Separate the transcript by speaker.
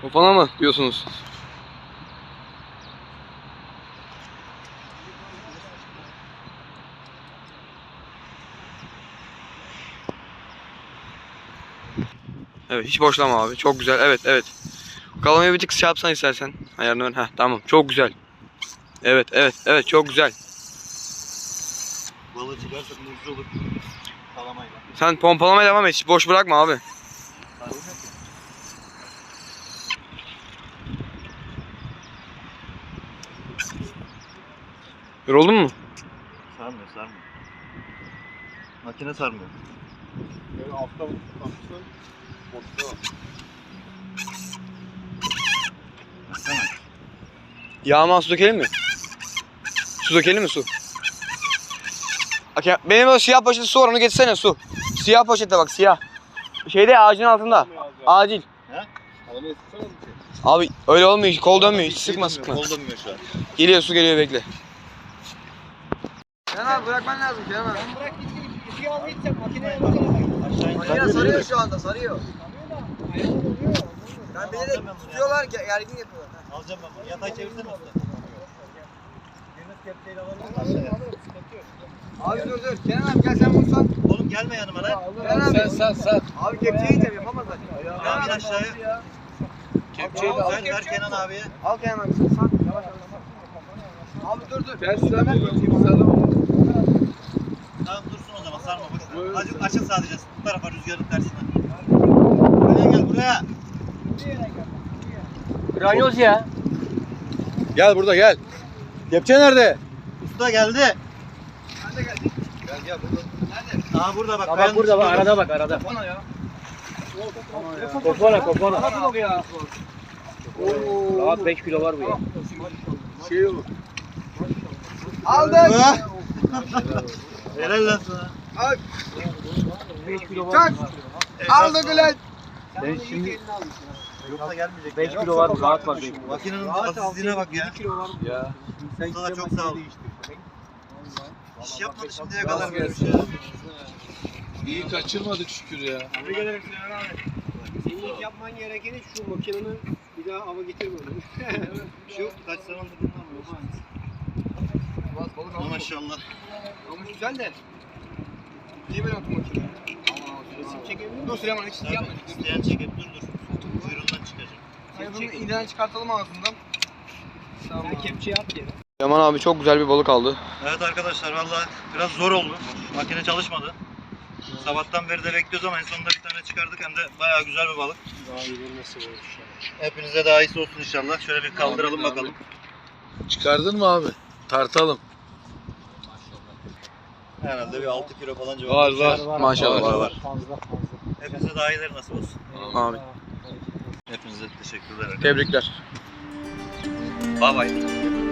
Speaker 1: Kafana mı diyorsunuz? Evet, hiç boşlama abi. Çok güzel. Evet, evet. Kalamayı bir tık şey yapsan istersen. Ayarını ön. Heh, tamam. Çok güzel. Evet, evet, evet. Çok güzel.
Speaker 2: Balığı çıkarsa muzlu olur. Kalamayla.
Speaker 1: Sen pompalamaya devam et. Hiç boş bırakma abi. Yoruldun mu?
Speaker 2: Sarmıyor, sarmıyor. Makine sarmıyor.
Speaker 3: Böyle altta baksın. Boşta.
Speaker 2: Baksana.
Speaker 1: Yağma su dökelim mi? Su dökelim mi su? Bak, benim o siyah poşeti su var, onu getirsene su. Siyah poşette bak, siyah. Şeyde, ağacın altında. Acil.
Speaker 3: Kalamayı sıksana mı ki?
Speaker 1: Abi öyle olmuyor, kol dönmüyor. Hiç sıkma
Speaker 2: Şey
Speaker 1: sıkma.
Speaker 2: Kol dönmüyor şu an.
Speaker 1: Geliyor, su geliyor, bekle. Kenan abi bırakman lazım Kenan abi.
Speaker 4: Ben bırak gittim. İkiye al gideceğim. Makineye bakalım.
Speaker 2: Aşağı in.
Speaker 1: Makine sarıyor şu anda, sarıyor. Ben bilerek tutuyorlar ki gergin yapıyorlar.
Speaker 2: Alacağım ben bunu. Yatay çevirsene usta.
Speaker 4: Biriniz kepçeyle alalım.
Speaker 1: Abi dur. Kenan abi gel sen bunu sat.
Speaker 2: Oğlum gelme yanıma lan.
Speaker 1: Kenan abi.
Speaker 3: Sen.
Speaker 1: Abi kepçeyi yiyeceğim, yapamaz zaten.
Speaker 2: Abi in aşağıya.
Speaker 3: Kepçeyi de
Speaker 1: al.
Speaker 2: Sen ver Kenan abiye.
Speaker 1: Al Kenan abi, sen sat. Yavaş yavaş. Abi dur.
Speaker 3: Sen sallama.
Speaker 2: Tamam dursun o zaman sarma boş ver. Azıcık açın sadece. Bu tarafa rüzgarın tersine. Buraya gel buraya.
Speaker 4: Ranyoz ya.
Speaker 3: Gel burada gel. Kepçe nerede?
Speaker 2: Usta geldi.
Speaker 3: Gel burada.
Speaker 2: Aa burada bak.
Speaker 4: Bak
Speaker 2: kayanın
Speaker 4: burada bak
Speaker 2: üstünde.
Speaker 4: arada bak arada.
Speaker 1: Bana ya.
Speaker 4: Kopana.
Speaker 1: Nasıl ya?
Speaker 4: Rahat 5 kilo var bu ya.
Speaker 3: Şey olur.
Speaker 1: Aldık.
Speaker 2: Ah! Helal lan sana.
Speaker 4: 5 kilo
Speaker 1: Çak. Aldık ulan.
Speaker 4: Ben şimdi
Speaker 2: Yoksa gelmeyecek.
Speaker 4: 5
Speaker 2: ya.
Speaker 4: kilo var rahat var 5 kilo.
Speaker 2: Makinenin asistliğine bak ya.
Speaker 3: Ya.
Speaker 2: Usta da çok sağ ol. İş yapmadı şimdiye kadar böyle bir şey. ya.
Speaker 3: İyi kaçırmadık şükür ya.
Speaker 4: Tebrik ederim Sinan abi. Senin ilk yapman gerekeni şu makinenin bir daha hava getirmemeli.
Speaker 2: Şu kaç zamandır bundan bu. Maşallah.
Speaker 1: Ama güzel de. Niye böyle atmak için?
Speaker 4: Resim çekebilir miyim?
Speaker 1: Dur Süleyman, hiç yapma.
Speaker 2: İsteyen çekip dur. Kuyruğundan çıkacak.
Speaker 1: Hayır, bunu iğneden çıkartalım ağzından.
Speaker 4: Sen kepçeyi at yere.
Speaker 1: Yaman abi çok güzel bir balık aldı.
Speaker 2: Evet arkadaşlar vallahi biraz zor oldu. Makine çalışmadı. Sabahtan beri de bekliyoruz ama en sonunda bir tane çıkardık hem de bayağı güzel bir balık.
Speaker 4: Daha iyi nasıl olur inşallah.
Speaker 2: Hepinize daha iyisi olsun inşallah. Şöyle bir kaldıralım bakalım.
Speaker 3: Çıkardın mı abi? Tartalım.
Speaker 2: Herhalde bir 6 kilo falan civarı.
Speaker 3: Var.
Speaker 1: Maşallah
Speaker 2: var.
Speaker 4: Fazla.
Speaker 2: Hepinize daha iyileri nasip olsun.
Speaker 1: Abi.
Speaker 2: Hepinize teşekkürler.
Speaker 1: Tebrikler.
Speaker 2: Bye bye.